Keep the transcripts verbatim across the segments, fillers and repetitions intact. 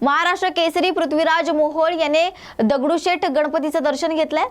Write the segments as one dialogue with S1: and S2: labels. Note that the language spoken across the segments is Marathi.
S1: महाराष्ट्र केसरी पृथ्वीराज मोहोळ याने दगडूशेठ गणपतीचं दर्शन घेतलंय।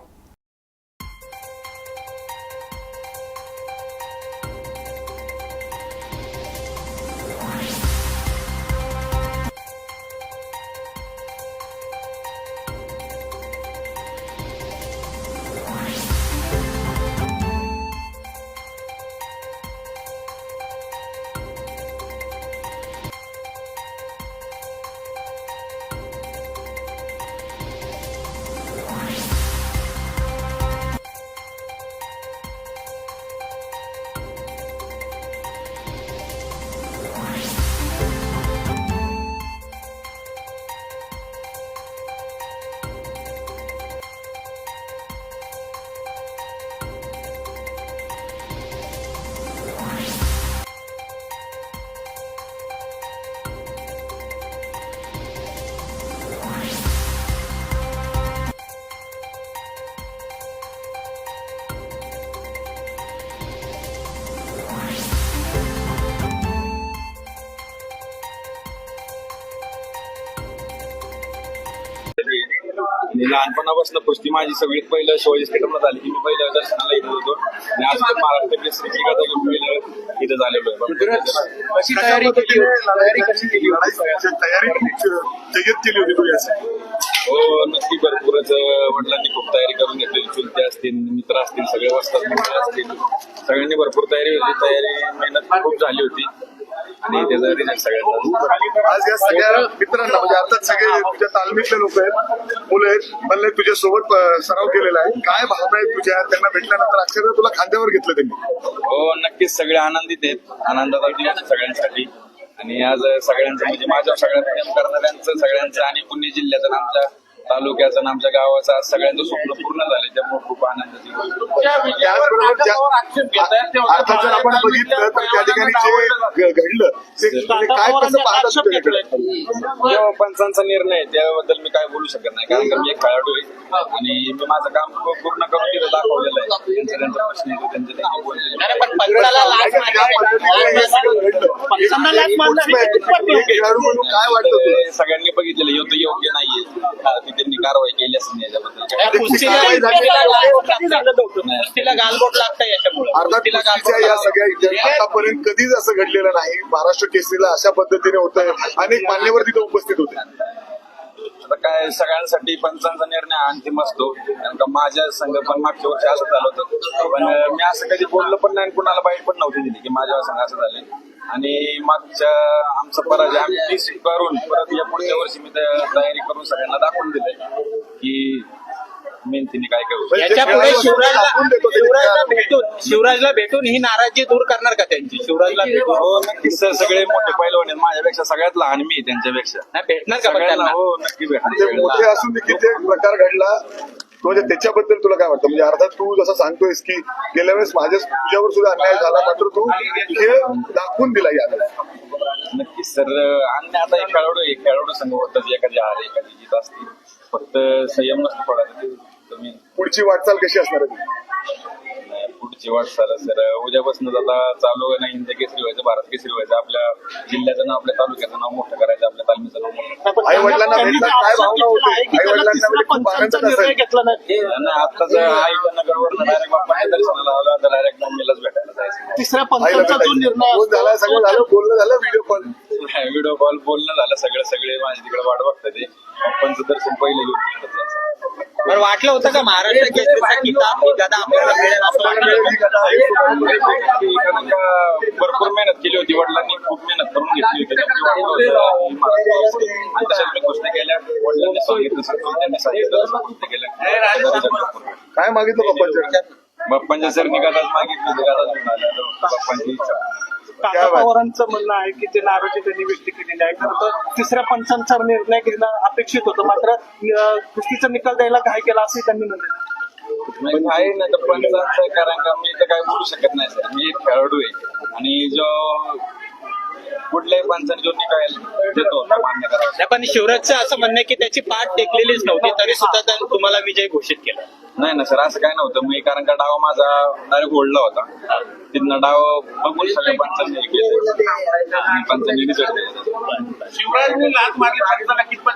S2: लहानपणापासून कुस्ती माझी सगळीत पहिलं शिवाजी स्टेडियमला झाली की मी पहिलं दर्शनाला येत होतो आणि आज महाराष्ट्र केसरीची गाथा घेऊन पहिलं इथं झालेलो आहे।
S3: कशी तयारी केली तयारी कशी केली तयारी जय्यत केली होती तू यासाठी?
S2: हो नक्की भरपूरच वडिलांनी खूप तयारी करून घेतलेली, चुलते असतील मित्र असतील सगळे वस्तात मित्र असतील सगळ्यांनी भरपूर तयारी होती, तयारी मेहनत खूप झाली होती आणि त्याचा रिझल्ट सगळ्यांचा।
S3: आज या सगळ्या मित्रांना म्हणजे अर्थात सगळे तुझ्या तालमीतले लोक आहेत, मुलं आहेत, म्हणले तुझ्या सोबत सराव केलेला आहे, काय भावना आहेत तुझ्या त्यांना भेटल्यानंतर अक्षरशः तुला खांद्यावर घेतलं त्यांनी?
S2: हो नक्कीच सगळे आनंदित आहेत, आनंदाचा दिवस सगळ्यांसाठी आणि आज सगळ्यांचं म्हणजे माझ्या सगळ्या प्रेम करणाऱ्यांचं सगळ्यांचं आणि पुणे जिल्ह्याचं आमच्या तालुक्याचं आणि आमच्या गावाचं आज सगळ्यांचं स्वप्न पूर्ण झाले, त्यामुळे खूप आनंदाची
S3: अर्थात जर आपण बघितलं तर त्या ठिकाणी जे घडलं ते काय कसं पाहतात?
S2: पंचांचा निर्णय त्याबद्दल मी काय बोलू शकत नाही, कारण की मी एक खेळाडू आहे आणि मी माझं काम पूर्ण करून तिथं दाखवलेलं आहे। त्यांचा त्यांचा प्रश्न येतो त्यांचे त्यांनी
S3: खेळाडू म्हणून काय वाटतं?
S2: सगळ्यांनी बघितलेलं योग्य योग्य नाहीये, त्यांनी कारवाई केली असेल याच्याबद्दल।
S3: अर्थात या सगळ्या आतापर्यंत कधीच असं घडलेलं नाही, महाराष्ट्र केसरीला अशा पद्धतीने होतंय, अनेक मान्यवर तिथे उपस्थित होते।
S2: आता काय सगळ्यांसाठी पंचांचा निर्णय अंतिम असतो, कारण का माझ्या संघ पण मागच्या वर्षी असं झालं होतं, पण मी असं कधी बोललो पण नाही, कुणाला बाईट पण नव्हती दिली की माझ्या संघ असं झालंय आणि मागच्या आमचा पराजय आम्ही करून परत या पुढच्या वर्षी मी तयारी करून सगळ्यांना दाखवून दिलंय की मेहनतीने काय करू।
S4: याच्यापुढे शिवराजला शिवराजला भेटून शिवराजला भेटून ही नाराजी दूर करणार का त्यांची? शिवराजला भेटून
S2: हो नक्कीच सर, सगळे मोठे पैलवान आहेत, माझ्यापेक्षा सगळ्यात लहान मी त्यांच्यापेक्षा
S4: नाही भेटणार का
S2: सगळ्यांना? हो नक्की भेटणार।
S3: मोठे असून किती प्रकार घडला म्हणजे त्याच्याबद्दल तुला काय वाटतं? म्हणजे अर्थात तू जसं सांगतोयस की गेल्या वेळेस माझ्या तुझ्यावर सुद्धा अन्याय झाला, मात्र तू खेळ दाखवून दिला याला।
S2: नक्कीच सर, आणि आता एक खेळाडू एक खेळाडू संघ होतात, एखादी हार एखादी जीत असते, फक्त संयम नसतो पडायचा तुम्ही।
S3: पुढची वाटचाल कशी असणार आहे?
S2: पुढची वाटचाल सर उद्यापासून आता चालू नाही, हिंद केसरी व्हायचं, भारत केसरी व्हायचं, आपल्या जिल्ह्याचं नाव आपल्या तालुक्याचं नाव मोठं करायचं, आपल्या तालमीचं नाव मोठं।
S3: आई वडिलांना काय भावना होती? आई वडिलांना खूप आनंद असेल।
S2: आताच आईच्या नगरवर डायरेक्ट बाप्पाच्या दर्शनाला आला तर डायरेक्ट मम्मीलाच भेटायला जायचं।
S5: तिसऱ्या पंचांचा जो निर्णय
S3: फोन झाला, सगळं झालं, बोलणं झालं, व्हिडिओ कॉल
S2: व्हिडिओ कॉल बोलणं झालं, सगळं सगळे माझ्या तिकडे वाट बघतात ते बाप्पांचं दर्शन पहिलं घेऊन तिकडे जायचं।
S4: बरं वाटलं होतं का महाराष्ट्र केसरीचा किताब ही गदा आपल्याला मिळेल असं वाटलं?
S2: भरपूर मेहनत केली होती, वडिलांनी खूप मेहनत करून घेतली होती आणि तशाच मी कुस्त्या केल्या, वडिलांनी सांगितलं त्यांनी सांगितलं कुस्त्या केल्या।
S3: काय मागितलं पप्पांच्या?
S2: बाप्पांच्या सर निघालाच मागितली, गादाच मिळाल्या बाप्पांची इच्छा।
S5: काका पवारांचं म्हणणं आहे की जे नाराजी त्यांनी व्यक्त केलेली आहे, खरं तर तिसऱ्या पंचांचा निर्णय घेणं अपेक्षित होतं, मात्र कुस्तीचा निकाल द्यायला घाय केला असंही त्यांनी म्हटलं
S2: आहे ना तर पंचांचं, कारण का मी तर काय बोलू शकत नाही सर, मी एक खेळाडू आहे आणि जो कुठल्याही पंचाने जो निकाल देतो मान्य करावा।
S4: पण शिवराजचं असं म्हणणं आहे की त्याची पाठ टेकलेलीच नव्हती तरी सुद्धा त्यांनी तुम्हाला विजय घोषित केला।
S2: नाही ना सर, असं काय नव्हतं, मी कारण का डाव माझा डायरेक्ट ओढला होता, तिथनं डाव बघून सगळ्या पंचांनी पंचांनी रिझल्ट
S5: शिवराजने लाच मारली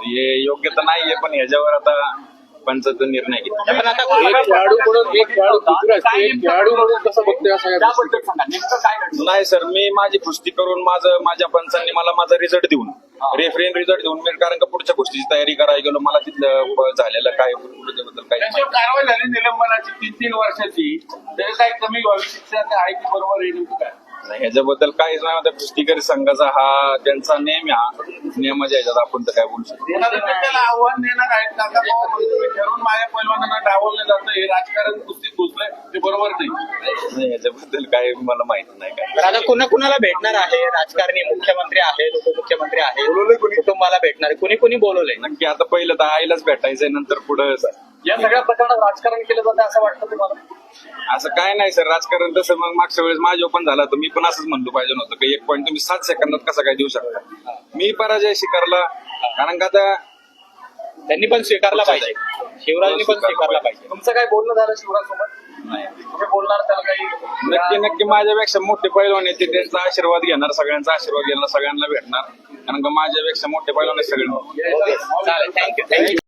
S2: हे योग्य तर नाहीये, पण ह्याच्यावर आता पंचाचा निर्णय घेतला.
S4: पण आता
S6: एक खेळाडू म्हणून एक खेळाडू दुसरा असतो, एक खेळाडू म्हणून कसं बघतोय या सगळ्या गोष्टी?
S4: त्याबद्दल सांगा नेमकं काय घडलं.
S2: नाही सर, मी माझी पुष्टी करून माझं माझ्या पंचांनी मला माझा रिझल्ट देऊन रेफरेन रिझल्ट देऊन मी कारण का पुढच्या गोष्टीची तयारी करायला गेलो, मला तिथलं ब- झालेलं काय त्याबद्दल काही
S6: त्याच्यावर कारवाई झाली निलंबनाची तीन तीन वर्षाची, त्याची काही कमी व्हावी शिक्षा आहे की बरोबर आहे नेमकं काय?
S2: नाही, ह्याच्याबद्दल काहीच नाही. आता कुस्तीकरी संघाचा हा त्यांचा नेम आहे, हा नियमाच्या ह्याच्यात आपण तर काय बोलू शकतो.
S6: देणार तर त्याला आव्हान देणार आहेत काका बाबा, तुम्ही ठरवून माझ्या पैलवानांना डावललं जातं, हे राजकारण कुस्तीत घुसलंय ते बरोबर नाही.
S2: नाही, ह्याच्याबद्दल काय मला माहिती नाही काय.
S4: तर आता कुणा कुणाला भेटणार आहे? राजकारणी, मुख्यमंत्री आहेत, उपमुख्यमंत्री आहेत,
S3: बोलवलंय कोणी?
S4: कुटुंबाला भेटणार आहे, कुणी कुणी बोलवलंय?
S2: नक्की आता पहिलं तर आईलाच भेटायचंय, नंतर पुढं
S6: या सगळ्या प्रकरणात राजकारण केलं जातं असं वाटतं तुम्हाला?
S2: असं काय नाही सर, राजकारण तसं मग मागच्या वेळेस माझ्या पण झाला तर मी पण असंच म्हणलो पाहिजे नव्हतं की एक पॉईंट तुम्ही सात सेकंदात कसा काय देऊ शकता. मी पराजय स्वीकारला, कारण का आता
S4: त्यांनी पण स्वीकारला पाहिजे, शिवराजनी पण स्वीकारला पाहिजे.
S6: तुमचं काय बोलणं झालं शिवराज सोबत?
S2: नाही,
S6: तुम्ही बोलणार त्याला काही?
S2: नक्की नक्की माझ्यापेक्षा मोठे पैलवान येते त्यांचा आशीर्वाद घेणार, सगळ्यांचा आशीर्वाद घेणार, सगळ्यांना भेटणार, कारण का माझ्यापेक्षा मोठे पैलवान आहेत सगळे.
S4: ओके, चालेल, थँक्यू थँक्यू